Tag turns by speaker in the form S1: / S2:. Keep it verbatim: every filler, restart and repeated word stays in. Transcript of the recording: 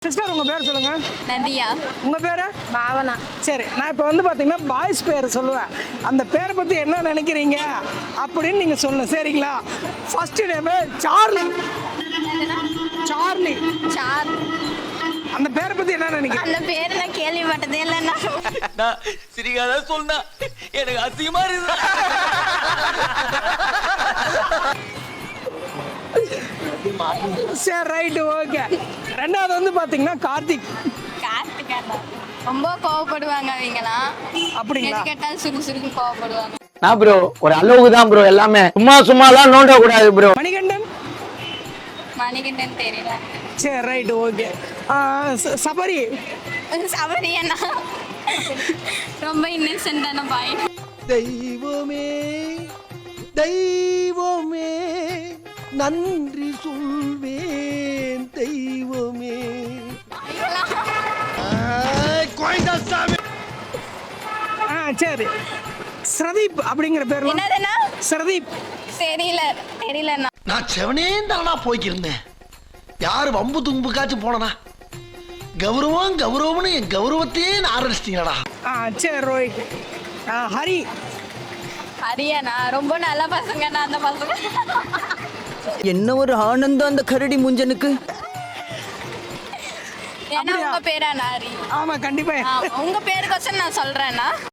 S1: Sister உங்க பேர் சொல்லுங்க.
S2: நதியா.
S1: உங்க பேரு?
S2: பாவனா.
S1: சரி, நான் இப்போ வந்து பாத்தீங்கன்னா பாய்ஸ் பேர் சொல்லுவேன். அந்த பேரை பத்தி என்ன நினைக்கிறீங்க அப்படின்னு நீங்க சொல்லணும், சரிங்களா? First name Charlie. Charlie.
S2: Sir.
S1: அந்த பேரை பத்தி என்ன நினைக்கிறீங்க?
S2: அந்த பேர் நான் கேள்விப்பட்டதே இல்லைண்ணா.
S3: நான் சிரிக்காத சொன்னா எனக்கு அசிங்கமா இருக்கு.
S1: சரி, ரைட்டு, ஓகே. ரெண்டாவது வந்து பாத்தீங்கன்னா கார்த்திக்.
S2: கார்த்திகா. ரொம்ப கோவப்படுவாங்க அவங்கலாம்.
S1: அப்படிங்களா?
S2: எது கேட்டாலும் சுருக்கு சுருக்கு கோவப்படுவாங்க.
S4: நான் ப்ரோ ஒரு அளவுக்கு தான் ப்ரோ, எல்லாமே சும்மா சும்மாலாம் நோண்ட கூடாது ப்ரோ.
S1: மணிகண்டன்.
S2: மணிகண்டன் தெரியல.
S1: சரி, ரைட்டு, ஓகே. சபரி.
S2: சபரி அண்ணா ரொம்ப இன்னசென்ட்டான பாய்.
S5: தெய்வமே தெய்வமே நன்றி சொல்வேன் தெய்வமே.
S1: ஆ சரி, ஸ்ரதீப் அப்படிங்கிற பேர்.
S2: என்னதுண்ணா?
S1: ஸ்ரதீப்.
S2: தெரியல தெரியலண்ணா.
S5: நான் செவனே தானா போய்க்கிருந்தேன். யாரு வம்பு தும்புக்காச்சும் போனனா? கௌரவம் கௌரவம்னு என் கௌரவத்தையே ஆரம்பிச்சிட்டீங்களா?
S1: ஆ சரி, ரோஹித். ஆ ஹரி.
S2: ஹரியாண்ணா ரொம்ப நல்ல பசங்கண்ணா அந்த பசங்க.
S6: என்ன ஒரு ஆனந்தம் அந்த கரடி முஞ்சனுக்கு.
S2: ஏன்னா உங்க பேரா ஹரி?
S1: ஆமா, கண்டிப்பா.
S2: உங்க பேருக்கோசம் நான் சொல்றேன்னா